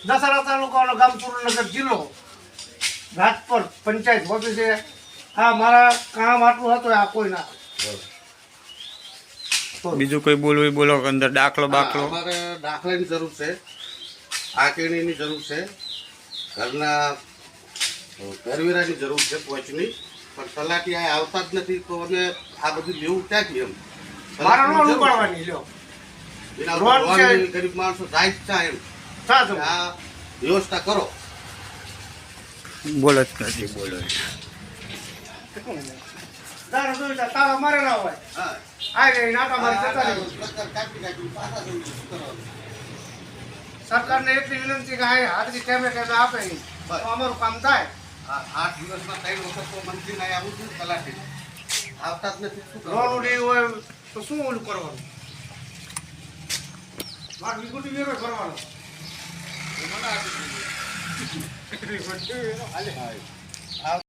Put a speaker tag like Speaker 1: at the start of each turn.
Speaker 1: દસાડા તાલુકાનો ગામ સુરેન્દ્રનગર જિલ્લો રાજપર પંચાયત ઓફિસે આ મારા કામ આટલું હતું આ કોઈ ના
Speaker 2: બીજું કોઈ બોલવું બોલો અંદર દાખલો બાખલો
Speaker 3: અમારે દાખલાની જરૂર છે આકેણીની જરૂર છે ઘરના ઘરવેરાની જરૂર છે પહોંચની પણ તલાટી આ આવતા જ નથી તો અમે આ બધું લેવું ક્યાંથી એમ
Speaker 1: મારા નો ઉપાડવાની લ્યો
Speaker 3: એના
Speaker 1: રોડ છે.
Speaker 3: ભગવાનની ગરીબ માણસો જાય જ છે એમ
Speaker 1: સાચું
Speaker 3: આ વ્યવસ્થા કરો.
Speaker 2: બોલો જ નથી બોલો
Speaker 1: તારા જોઈતા તારા મારે ના હોય
Speaker 3: હા
Speaker 1: આ રે નાટા મારી જતા રહેવું.
Speaker 3: કાપી પાછા જવું શું કરવાનું?
Speaker 1: સરકારને એટલી વિનંતી કે આ હાથથી ટેમે ટેમે આપે ઈ. તો અમારું કામ થાય.
Speaker 3: આ 8 દિવસમાં 3 વખત તો મંત્રીને અહીં આવું છું તલાટી આવતા જ નથી શું
Speaker 1: લોન
Speaker 3: કરવાનું?
Speaker 1: ઉડી હોય તો શું ઓલું કરવાનું મારે વિકુટી વેરો કરવાનો
Speaker 3: એ મને આપી દીધું.